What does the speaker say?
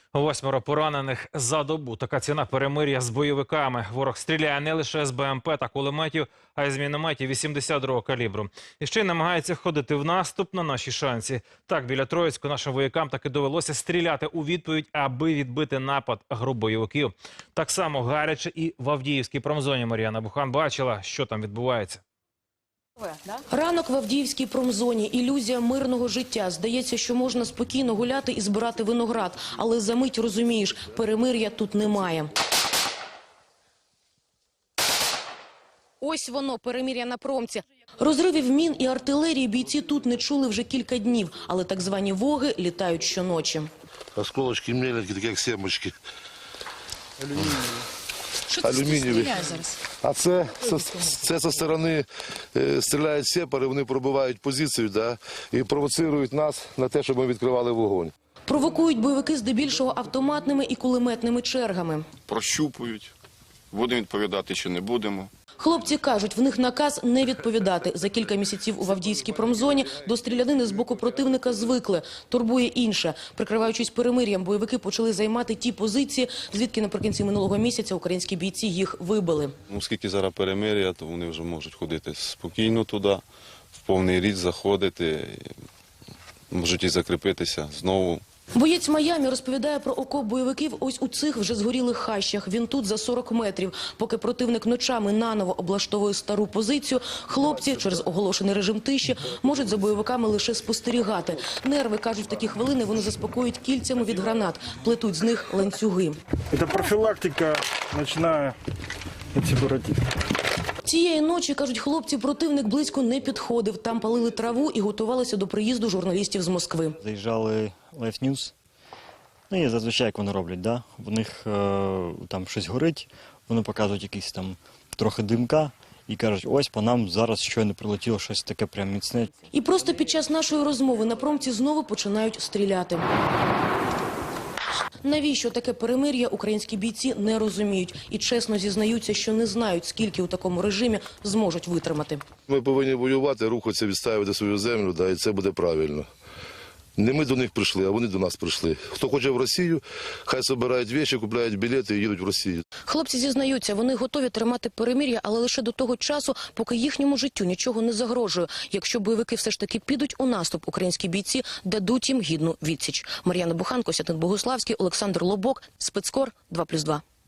8 поранених за добу. Така ціна перемир'я з бойовиками. Ворог стріляє не лише з БМП та кулеметів, а й з мінометів 82-го калібру. І ще й намагається ходити в наступ на наші шанси. Так, біля Троїцьку нашим воякам таки довелося стріляти у відповідь, аби відбити напад груп бойовиків. Так само гаряче і в Авдіївській промзоні. Мар'яна Бухан бачила, що там відбувається. Ранок в Авдіївській промзоні. Ілюзія мирного життя. Здається, що можна спокійно гуляти і збирати виноград. Але за мить розумієш, перемир'я тут немає. Ось воно, перемир'я на промці. Розривів мін і артилерії бійці тут не чули вже кілька днів. Але так звані воги літають щоночі. Осколочки меленькі, такі як семечки. Що це стріляє зараз? А це зі сторони стріляють сепари, вони пробивають позицію, і провоцирують нас на те, щоб ми відкривали вогонь. Провокують бойовики здебільшого автоматними і кулеметними чергами. Прощупують, будемо відповідати чи не будемо. Хлопці кажуть, в них наказ не відповідати. За кілька місяців у Авдіївській промзоні до стрілянини з боку противника звикли. Турбує інше. Прикриваючись перемир'ям, бойовики почали займати ті позиції, звідки наприкінці минулого місяця українські бійці їх вибили. Оскільки зараз перемир'я, то вони вже можуть ходити спокійно туди, в повний ріст заходити, можуть і закріпитися знову. Боєць Майамі розповідає про окоп бойовиків ось у цих вже згорілих хащах. Він тут за 40 метрів. Поки противник ночами наново облаштовує стару позицію, хлопці через оголошений режим тиші можуть за бойовиками лише спостерігати. Нерви, кажуть, в такі хвилини вони заспокоюють кільцями від гранат, плетуть з них ланцюги. Це профілактика ночна сепаратистів. Цієї ночі, кажуть хлопці, противник близько не підходив. Там палили траву і готувалися до приїзду журналістів з Москви. Заїжджали Life News. Ну і зазвичай, як вони роблять, да? У них там щось горить, вони показують якісь там трохи димка і кажуть, ось по нам зараз щойно прилетіло щось таке прям міцне. І просто під час нашої розмови на промці знову починають стріляти. Навіщо таке перемир'я, українські бійці не розуміють. І чесно зізнаються, що не знають, скільки у такому режимі зможуть витримати. Ми повинні воювати, рухатися, відстоювати свою землю, і це буде правильно. Не ми до них прийшли, а вони до нас прийшли. Хто хоче в Росію, хай збирають речі, купляють білети і їдуть в Росію. Хлопці зізнаються, вони готові тримати перемир'я, але лише до того часу, поки їхньому життю нічого не загрожує. Якщо бойовики все ж таки підуть у наступ, українські бійці дадуть їм гідну відсіч. Мар'яна Бухан, Костянтин Богуславський, Олександр Лобок, Спецкор, 2+2.